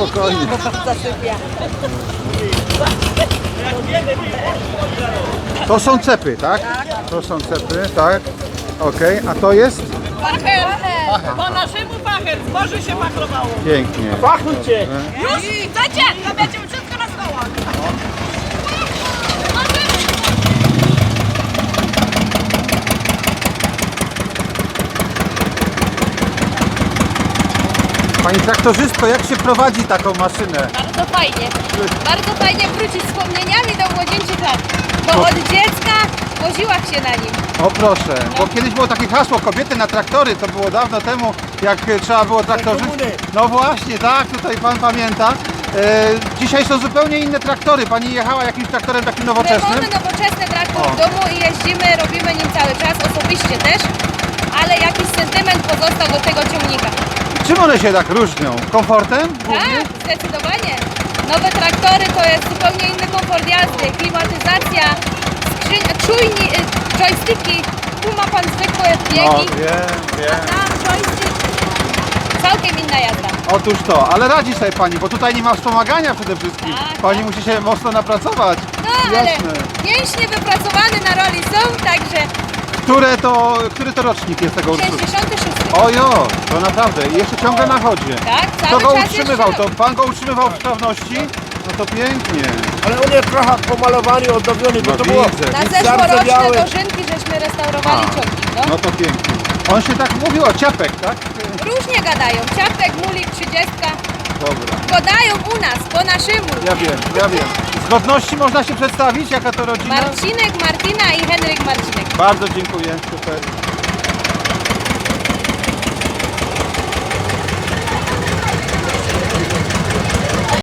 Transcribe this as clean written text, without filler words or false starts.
spokojnie. Zasypia. To są cepy, tak? To są cepy, tak. Okej, a to jest? Pacher! Po naszemu pacher, zboże się pachlowało. Pięknie. Pachnujcie! Już chcecie? To będziemy wszystko na stołach. Pani traktorzystko, jak się prowadzi taką maszynę? Bardzo fajnie wrócić wspomnieniami do młodzieńczych lat. Bo od dziecka woziłam się na nim. O proszę, bo kiedyś było takie hasło kobiety na traktory, to było dawno temu, jak trzeba było traktorzy. No właśnie, tak, tutaj pan pamięta. Dzisiaj są zupełnie inne traktory. Pani jechała jakimś traktorem takim My nowoczesnym? mamy nowoczesny traktor w domu i jeździmy, robimy nim cały czas, osobiście też. Ale jakiś sentyment pozostał do tego ciągnika. Czym one się tak różnią? Komfortem? Tak, zdecydowanie. Nowe traktory to jest zupełnie inny komfort jazdy, klimatyzacja, joysticki, tu ma pan zwykłe No, biegi, wiem. tam joystick, całkiem inna jazda. Otóż to, ale radzi sobie pani, bo tutaj nie ma wspomagania przede wszystkim. Tak, Pani musi się mocno napracować. No ale Jasne. mięśnie wypracowane na roli są, także Który to rocznik jest tego urszu? 66. Ojo, to naprawdę. I jeszcze ciągle na chodzie. Tak, Kto cały go czas utrzymywał? jeszcze... To pan go utrzymywał w sprawności? No to pięknie. Ale on jest trochę pomalowany, odnowiony, bo No to było widzę. Na zardzewiałe. zeszłoroczne dożynki żeśmy restaurowali ciągnik, no. No to pięknie. On się tak mówił o ciapek, tak? Różnie gadają, ciapek, mulik, 30. Dobra. Podają u nas, po naszemu. Ja wiem. Z godności można się przedstawić, jaka to rodzina? Marcinek, Martina i Henryk Marcinek. Bardzo dziękuję. Super.